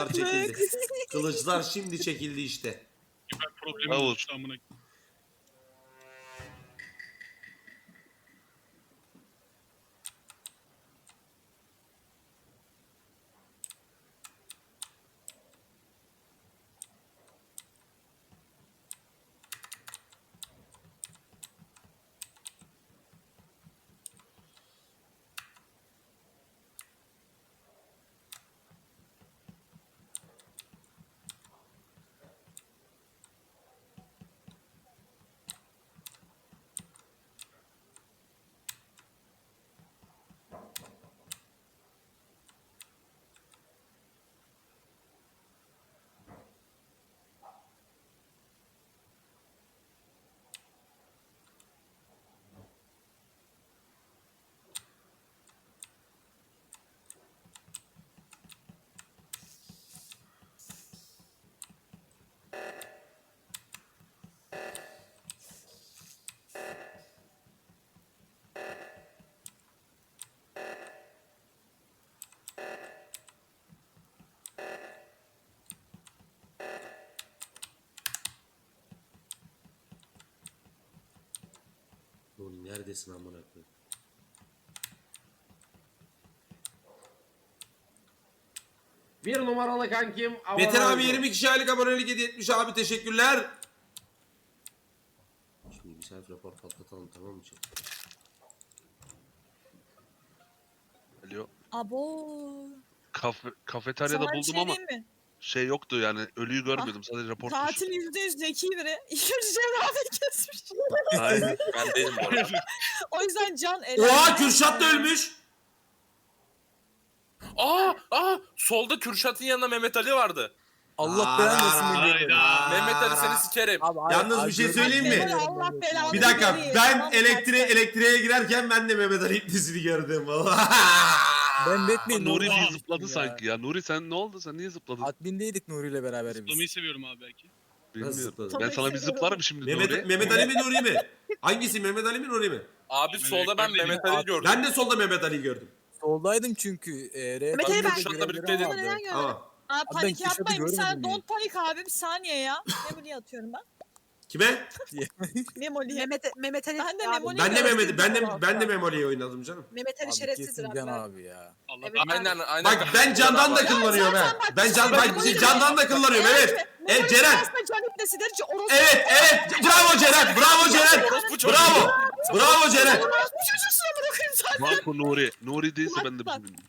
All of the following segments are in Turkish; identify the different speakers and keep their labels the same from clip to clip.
Speaker 1: çekildi. Kılıçlar şimdi çekildi işte.
Speaker 2: Ben problemim
Speaker 3: Davul.
Speaker 2: oluştu amına.
Speaker 1: Oğlum neredesin amına koyayım?
Speaker 4: Bir numaralı kankim.
Speaker 1: Beter abi 20 kişi aylık abonelik hediye etmiş abi, teşekkürler. Şimdi bir selfie rapor patlatalım, tamam mı?
Speaker 3: Alo.
Speaker 5: Abo.
Speaker 3: Kafeteryada
Speaker 5: Sana bir
Speaker 3: buldum
Speaker 5: şey
Speaker 3: ama
Speaker 5: diyeyim mi?
Speaker 3: şey yoktu yani, ölüyü görmedim, sadece rapor
Speaker 5: Katil
Speaker 3: tuşu.
Speaker 5: %100 zeki biri. İkinci cerrahi kesmiş.
Speaker 3: Aynen.
Speaker 6: Ben değilim bu arada.
Speaker 5: O yüzden can
Speaker 1: Oha, Kürşat da ölmüş.
Speaker 6: Solda Kürşat'ın yanında Mehmet Ali vardı.
Speaker 7: Allah belanı versin
Speaker 2: Hayda.
Speaker 7: beni.
Speaker 6: Mehmet Ali seni sikerim.
Speaker 1: Yalnız bir şey söyleyeyim mi?
Speaker 5: Allah belanı
Speaker 1: Bir dakika,
Speaker 5: versin.
Speaker 1: ben
Speaker 5: Tamam,
Speaker 1: elektriğe girerken ben de Mehmet Ali iplisini gördüm.
Speaker 7: Ben Batman.
Speaker 3: Nuri niye
Speaker 2: Oha.
Speaker 3: zıpladı sanki ya? Nuri sen ne oldu? Sen niye zıpladın?
Speaker 7: Admindeydik Nuri ile beraber biz.
Speaker 2: Zıplamayı seviyorum abi belki.
Speaker 3: Bilmiyorum.
Speaker 1: zıpladın?
Speaker 3: Ben sana bir zıplarım şimdi Nuri.
Speaker 1: Mehmet Ali mi Nuri mi? Hangisi, Mehmet Ali mi Nuri mi?
Speaker 6: Abi solda ben
Speaker 2: elektronik
Speaker 6: Mehmet Ali gördüm.
Speaker 1: Ben de solda Mehmet Ali'yi gördüm.
Speaker 7: Soldaydım çünkü.
Speaker 5: Mehmet Ali ben-
Speaker 6: Kürşat'la birlikte
Speaker 5: Ama
Speaker 6: yedim.
Speaker 5: neden gördün?
Speaker 1: Tamam.
Speaker 5: Aa,
Speaker 7: ben
Speaker 5: panik
Speaker 7: Kürşat'ı
Speaker 5: yapmayın. Bir saniye.
Speaker 7: görmedim
Speaker 5: Don't panik abi. Bir saniye ya. Memoli'yi atıyorum ben.
Speaker 1: Kime?
Speaker 5: Memoli'ye.
Speaker 8: Mehmet Ali
Speaker 5: Ben de
Speaker 8: abi,
Speaker 5: Memoli-
Speaker 1: Ben de
Speaker 5: gördüm.
Speaker 1: Mehmet, ben de Memoli'yi oynadım canım.
Speaker 8: Mehmet Ali
Speaker 7: Abi
Speaker 8: şerefsizdir
Speaker 7: kesin
Speaker 8: abi.
Speaker 7: Can abi ya.
Speaker 2: Allah
Speaker 8: Evet.
Speaker 6: Aynen.
Speaker 1: Bak ben candan da kullanıyorum ha. Ben candan da kullanıyorum, evet. Evet Ceren.
Speaker 5: Aslında can iplesidir. Orası.
Speaker 1: Evet. Bravo Ceren. Bravo Ceren.
Speaker 6: Orospu çocuğu.
Speaker 1: Bravo Ceren.
Speaker 5: Bu çocuğusuna bırakayım zaten.
Speaker 3: Marco Nuri. Nuri değilse ben de
Speaker 5: Bak.
Speaker 3: bilmiyorum.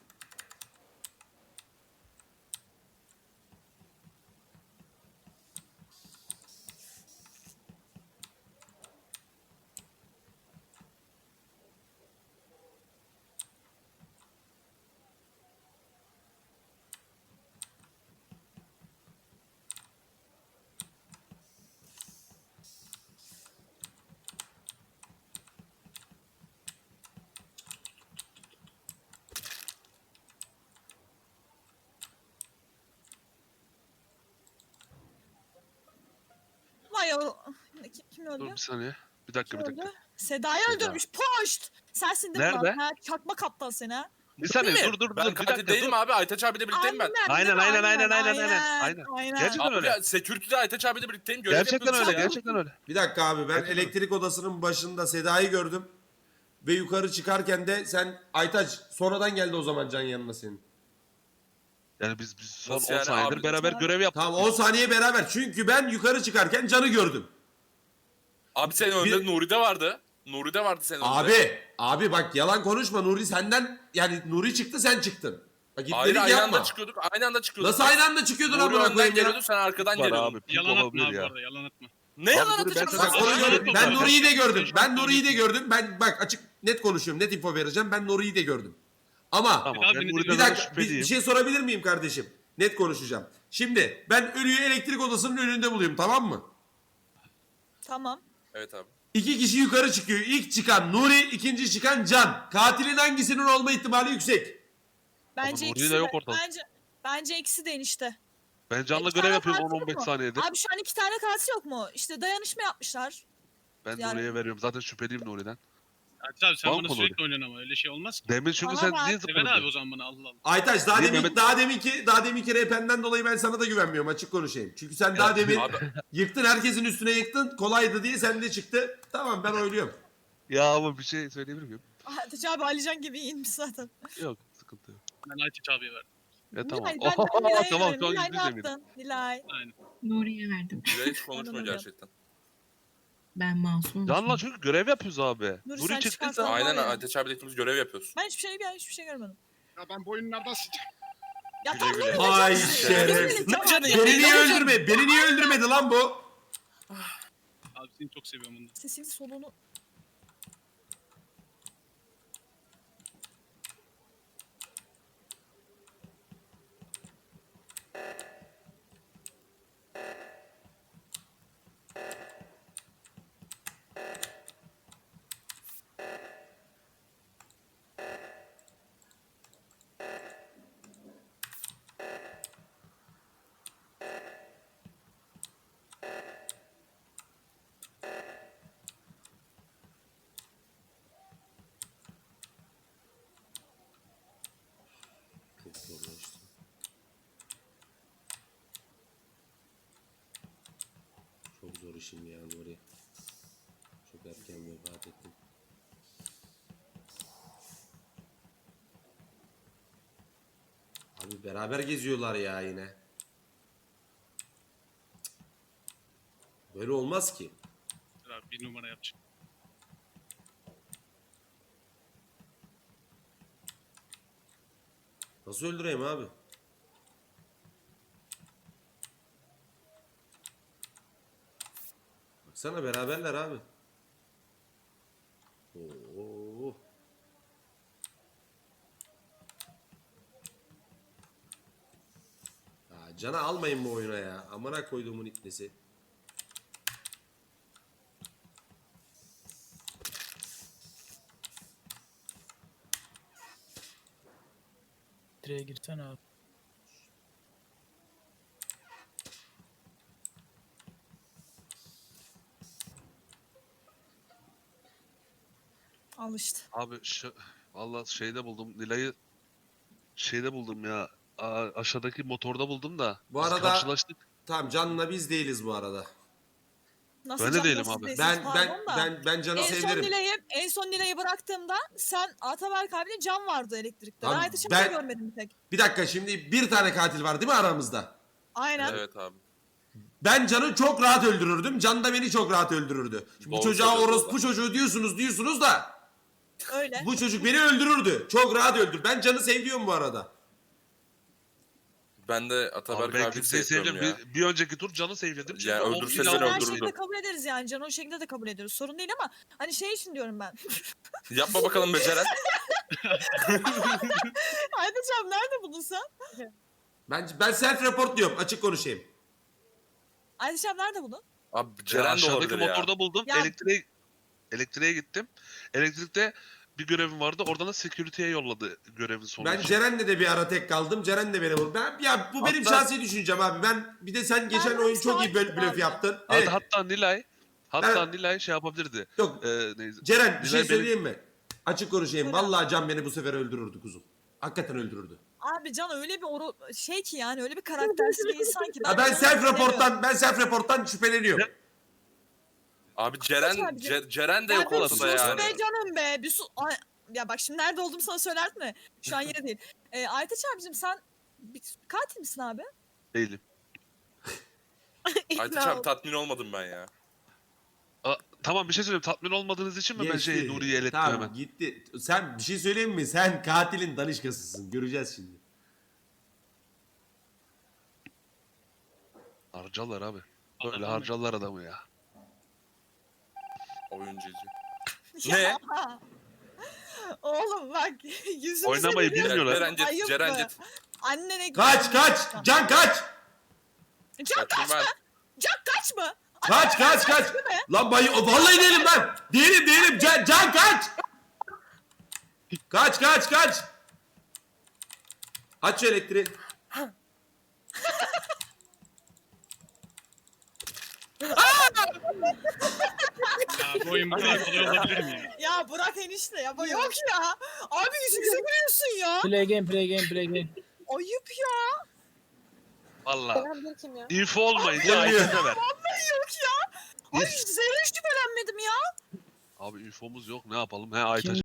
Speaker 5: Vay o. Kim
Speaker 3: Dur
Speaker 5: öldü?
Speaker 3: bir saniye. Bir dakika
Speaker 5: Kim
Speaker 3: bir dakika.
Speaker 5: öldü? Seda'yı öldürmüş. Poşt. Sensin değil mi
Speaker 3: Nerede?
Speaker 5: lan? Ha, çakma kaptan seni ha.
Speaker 3: Bir saniye
Speaker 6: Değil mi?
Speaker 3: dur
Speaker 6: Ben
Speaker 3: bir
Speaker 6: katil
Speaker 3: dakika
Speaker 6: değilim
Speaker 3: dur.
Speaker 6: abi. Aytaç abiyle birlikteyim ben.
Speaker 3: Aynen.
Speaker 5: Aynen.
Speaker 3: Gerçekten
Speaker 6: Abi
Speaker 3: öyle.
Speaker 6: ya, security'de Aytaç abiyle birlikteyim. Görev
Speaker 3: Gerçekten
Speaker 6: yapıyoruz
Speaker 3: öyle,
Speaker 6: ya.
Speaker 3: gerçekten öyle.
Speaker 1: Bir dakika abi, ben elektrik odasının başında Seda'yı gördüm. Ve yukarı çıkarken de sen Aytaç sonradan geldi o zaman Can yanına senin.
Speaker 3: Yani biz son 10
Speaker 6: Nasıl yani
Speaker 3: saniyedir
Speaker 6: abi?
Speaker 3: beraber görev yaptık.
Speaker 1: Tamam, 10 saniye beraber. Çünkü ben yukarı çıkarken Can'ı gördüm.
Speaker 6: Abi senin önünde Nuri'de vardı. Nuri'de vardı senin önünde.
Speaker 1: Abi bak yalan konuşma, Nuri senden, yani Nuri çıktı sen çıktın. Bak
Speaker 6: Hayır
Speaker 1: gitmedik
Speaker 6: aynı
Speaker 1: yapma.
Speaker 6: anda çıkıyorduk. Aynı anda çıkıyorduk.
Speaker 1: Nasıl aynı anda çıkıyordun
Speaker 6: Nuri
Speaker 1: amına
Speaker 6: önden
Speaker 1: koyayım ya?
Speaker 6: geliyordu sen arkadan
Speaker 3: Var
Speaker 6: geliyordun.
Speaker 3: abi. Pink
Speaker 2: Yalan atma
Speaker 3: olabilir
Speaker 2: abi bu
Speaker 3: ya.
Speaker 2: arada, yalan atma.
Speaker 6: Ne yalan
Speaker 3: Abi dur, ben
Speaker 6: atacağım?
Speaker 3: sana-
Speaker 1: Bak
Speaker 2: Yalan
Speaker 1: onu
Speaker 2: atma.
Speaker 1: ben Nuri'yi de gördüm.
Speaker 2: Beş
Speaker 1: Ben
Speaker 2: dakika
Speaker 1: Nuri'yi de
Speaker 2: önce.
Speaker 1: gördüm. Ben bak açık net konuşuyorum. Net info vereceğim. Ben Nuri'yi de gördüm. Ama
Speaker 3: Tamam
Speaker 2: Abi,
Speaker 3: ben
Speaker 2: bir
Speaker 3: Nuri'den
Speaker 1: bir dakika
Speaker 3: şüpheliyim.
Speaker 1: bir şey sorabilir miyim kardeşim? Net konuşacağım. Şimdi ben ölüyü elektrik odasının önünde bulayım, tamam mı?
Speaker 5: Tamam.
Speaker 6: Evet abi.
Speaker 1: 2 kişi yukarı çıkıyor. İlk çıkan Nuri, ikinci çıkan Can. Katilin hangisinin olma ihtimali yüksek?
Speaker 5: Bence
Speaker 3: Nuri de
Speaker 5: ikisi de.
Speaker 3: yok ortada.
Speaker 5: Bence ikisi de enişte.
Speaker 3: Ben Can'la
Speaker 5: İki
Speaker 3: görev
Speaker 5: tane
Speaker 3: yapıyorum
Speaker 5: katil
Speaker 3: 10-15
Speaker 5: mi?
Speaker 3: saniyede.
Speaker 5: Abi şu an 2 tane katil yok mu? İşte dayanışma yapmışlar.
Speaker 3: Ben
Speaker 5: yani-
Speaker 3: Nuri'ye veriyorum. Zaten şüpheliyim Nuri'den.
Speaker 2: Ateş abi sen
Speaker 3: Banko
Speaker 2: bana
Speaker 3: Nuri.
Speaker 2: sürekli oynuyorsun ama öyle şey olmaz ki.
Speaker 3: Demin çünkü
Speaker 5: Bana
Speaker 3: sen
Speaker 5: bak.
Speaker 3: niye
Speaker 2: Sever abi o
Speaker 3: zıpladın?
Speaker 2: zaman bana Allah Allah.
Speaker 1: Aytaç daha
Speaker 3: Niye
Speaker 1: demin
Speaker 3: Mehmet?
Speaker 1: daha deminki RP'nden dolayı ben sana da güvenmiyorum, açık konuşayım. Çünkü sen daha demin
Speaker 6: Abi
Speaker 1: yıktın, herkesin üstüne yıktın, kolaydı diye sende çıktı. Tamam, ben oyluyorum.
Speaker 3: Ya ama bir şey söyleyebilir miyim?
Speaker 5: Ateş abi Alican gibi iyiymiş zaten.
Speaker 3: Yok sıkıntı yok.
Speaker 2: Ben Ayteç abiye verdim.
Speaker 3: Tamam.
Speaker 5: Nilay, ben Nilay'a
Speaker 3: Tamam
Speaker 5: veririm.
Speaker 3: şu an
Speaker 5: Nilay ne
Speaker 3: yüzde yüz eminim.
Speaker 5: yaptın? Nilay.
Speaker 2: Aynen.
Speaker 8: Nuri'ye verdim.
Speaker 6: Nilay hiç konuşmuyor
Speaker 5: Anladım.
Speaker 6: gerçekten.
Speaker 8: Ben masum.
Speaker 3: Canla çünkü görev yapıyoruz abi.
Speaker 5: Nuri,
Speaker 3: Nuri
Speaker 5: sen
Speaker 3: çıktıysa
Speaker 5: çıkarsan-
Speaker 6: Aynen
Speaker 5: var ya.
Speaker 6: Ateş abiyle ikimiz görev yapıyoruz.
Speaker 5: Ben hiçbir şey görmedim.
Speaker 2: Ya ben bu oyunlardan sıcak.
Speaker 5: Ya
Speaker 6: Güle
Speaker 5: tam
Speaker 6: güle.
Speaker 5: böyle
Speaker 1: Ay
Speaker 5: canım.
Speaker 1: şerefsiz.
Speaker 5: Canım.
Speaker 1: Beni niye öldürmedi? Beni niye öldürmedi lan bu?
Speaker 2: Abi seni çok seviyorum bundan.
Speaker 5: Sesini soluğunu.
Speaker 1: Çok zorlaştı. Çok zor işim ya Nuri. Çok erken vefat ettim. Abi beraber geziyorlar ya yine. Cık. Böyle olmaz ki.
Speaker 2: Dur abi bir numara yapacağım.
Speaker 1: Nasıl öldüreyim abi? Baksana beraberler abi. Oo. Ya cana almayın bu oyuna ya. Amına koyduğumun ipnesi.
Speaker 9: Direğe girsene abi.
Speaker 5: Al işte.
Speaker 3: abi valla şeyde buldum. Nilay'ı şeyde buldum ya. Aşağıdaki motorda buldum da.
Speaker 1: Bu
Speaker 3: biz
Speaker 1: arada-
Speaker 3: karşılaştık.
Speaker 1: Tamam, Can'la biz değiliz bu arada.
Speaker 5: Nasıl
Speaker 3: Ben de
Speaker 5: canım,
Speaker 3: değilim
Speaker 5: nasıl
Speaker 3: abi.
Speaker 5: değilsiniz,
Speaker 1: Ben
Speaker 5: pardon da.
Speaker 1: Can'ı
Speaker 5: En son
Speaker 1: sevdirim.
Speaker 5: Nilay'ı bıraktığımda sen Ataberk abiyle Can vardı elektrikte.
Speaker 1: Abi
Speaker 5: Ben Aytaç abi
Speaker 1: ben-
Speaker 5: görmedim bir tek.
Speaker 1: Bir dakika, şimdi bir tane katil var değil mi aramızda?
Speaker 5: Aynen.
Speaker 6: Evet abi.
Speaker 1: Ben Can'ı çok rahat öldürürdüm. Can da beni çok rahat öldürürdü. Şimdi bu
Speaker 6: Doğru
Speaker 1: çocuğa
Speaker 6: söylüyorsun
Speaker 1: orospu
Speaker 6: valla.
Speaker 1: çocuğu diyorsunuz da
Speaker 5: Öyle.
Speaker 1: bu çocuk beni öldürürdü. Çok rahat öldür. Ben Can'ı seviyorum bu arada.
Speaker 6: Ben de
Speaker 3: Abi
Speaker 6: Ataberk
Speaker 3: ben
Speaker 6: abi
Speaker 3: kimseyi
Speaker 6: seviyorum
Speaker 3: sevdim.
Speaker 6: ya.
Speaker 3: Bir önceki tur canı sevledim. Çünkü
Speaker 6: Ya
Speaker 3: o
Speaker 6: öldürse
Speaker 5: Biz
Speaker 6: seni
Speaker 5: her
Speaker 6: öldürürdüm.
Speaker 5: şekilde kabul ederiz yani. Can o şekilde de kabul ediyoruz. Sorun değil ama hani şey için diyorum ben.
Speaker 6: Yapma bakalım beceren.
Speaker 5: Aytaç abi nerede buldun sen?
Speaker 1: Ben self report diyorum, açık konuşayım.
Speaker 5: Aytaç abi nerede buldun?
Speaker 6: Abi
Speaker 3: Ya
Speaker 6: Ceren de
Speaker 3: aşağıdaki
Speaker 6: olabilir ya.
Speaker 3: motorda buldum.
Speaker 5: Ya-
Speaker 3: Elektriğe gittim. Elektrikte bir görevim vardı. Oradan da security'ye yolladı görevin sonucu.
Speaker 1: Ben Ceren'le de bir ara tek kaldım. Ceren de beni vurdu. Ya bu benim
Speaker 3: Hatta-
Speaker 1: şahsi düşüncem abi. Bir de sen geçen
Speaker 5: Ben
Speaker 1: oyun çok iyi
Speaker 5: sakin
Speaker 1: blöf
Speaker 5: abi.
Speaker 1: yaptın.
Speaker 3: Hatta,
Speaker 1: Evet.
Speaker 3: hatta
Speaker 1: Ben-
Speaker 3: Nilay şey yapabilirdi.
Speaker 1: Yok.
Speaker 3: Neyse.
Speaker 1: Ceren bir şey
Speaker 3: Nilay benim-
Speaker 1: söyleyeyim mi? Açık konuşayım.
Speaker 5: Söyle.
Speaker 1: Vallahi Can beni bu sefer öldürürdü kuzum. Hakikaten öldürürdü.
Speaker 5: Abi Can öyle bir şey ki yani öyle bir karaktersiz bir insan ki.
Speaker 1: Ben
Speaker 5: Can'ı
Speaker 1: self reporttan şüpheleniyorum.
Speaker 6: Abi Ceren
Speaker 5: abicim.
Speaker 6: Ceren de
Speaker 5: Ya
Speaker 6: yok
Speaker 5: bir
Speaker 6: ortada
Speaker 5: sus
Speaker 6: yani.
Speaker 5: be canım be. Bir sus. Ya bak şimdi nerede olduğumu sana söylerdim mi? Şu an yine değil. Aytaç abicim sen katil misin abi?
Speaker 3: Değilim.
Speaker 6: Aytaç abi tatmin olmadım ben ya.
Speaker 3: Tamam bir şey söyleyeyim. Tatmin olmadığınız için mi ben
Speaker 1: Geçti.
Speaker 3: Nuri'yi elettim
Speaker 1: Tamam,
Speaker 3: hemen?
Speaker 1: gitti. Sen bir şey söyleyeyim mi? Sen katilin danışkasısın. Göreceğiz şimdi.
Speaker 3: Harcarlar abi. Böyle
Speaker 2: Allah'ım.
Speaker 3: harcarlar adamı ya.
Speaker 6: Oyuncucu.
Speaker 5: Ya,
Speaker 6: Ne?
Speaker 5: Oğlum bak yüzümüze
Speaker 3: Oynamayı
Speaker 5: gülüyor.
Speaker 3: bilmiyorlar.
Speaker 6: Cerencet,
Speaker 5: Ayıp
Speaker 6: Cerencet.
Speaker 5: Annene
Speaker 1: Kaç! Can kaç!
Speaker 5: Can
Speaker 6: Kaçın ben.
Speaker 5: Can kaç mı?
Speaker 1: Kaç! Lan vallahi değilim ben. Değilim. Can kaç! Kaç! Aç şu elektriği.
Speaker 2: Ya bu oyun bu kadar kolay olabilir mi ya?
Speaker 5: Ya Burak enişte ya. Yok ya. Abi yüzümüze gülüyorsun ya.
Speaker 9: Play game, play game, play game.
Speaker 5: Ayıp ya.
Speaker 3: Valla.
Speaker 5: Selam kim ya?
Speaker 3: Info olmayınca
Speaker 1: Gelmiyor.
Speaker 3: Aytaç'a ver.
Speaker 5: Vallahi yok ya. Ay zerre şüphelenmedim ya.
Speaker 3: Abi infomuz yok ne yapalım? He Aytaç